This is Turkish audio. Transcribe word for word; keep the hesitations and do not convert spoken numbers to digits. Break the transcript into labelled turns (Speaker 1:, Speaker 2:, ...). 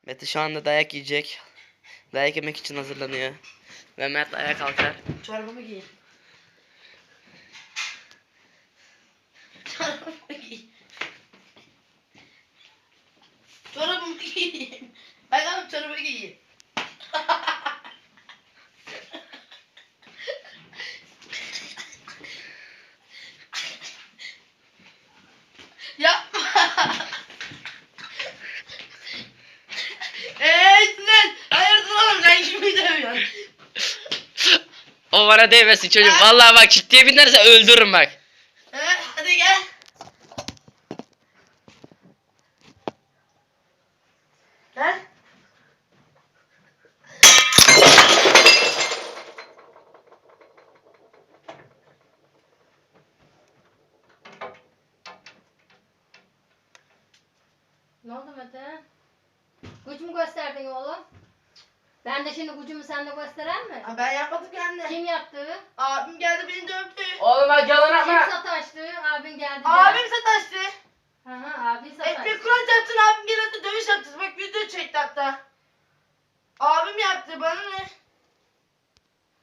Speaker 1: Mete şu anda dayak yiyecek. Dayak yemek için hazırlanıyor. Ve Mert ayağa kalkar.
Speaker 2: Çorabımı giy. Çorabımı giy. Çorabımı giy. Bakalım çorabı giy. Yapma. Eee sen hayırdır oğlum sen kimi dövüyorsun?
Speaker 1: O bana değmesin çocuk. Vallahi bak ciddiye binerse öldürürüm bak.
Speaker 2: Evet hadi gel. Gel.
Speaker 3: Ne oldu Mete? Güç mü gösterdin oğlum? Ben de şimdi gücümü sende gösteren mi?
Speaker 2: Aa, ben yapmadım ki anne.
Speaker 3: Kim yaptı?
Speaker 2: Abim geldi beni dövdü.
Speaker 1: Oğlum bak yalan
Speaker 3: Kim sataştı? Abin geldi. de.
Speaker 2: Abim sataştı.
Speaker 3: Hı hı abin sataştı.
Speaker 2: Ekmek kuran yaptın abim geldi dövüş yaptı. Bak video çekti hatta. Abim yaptı bana ne?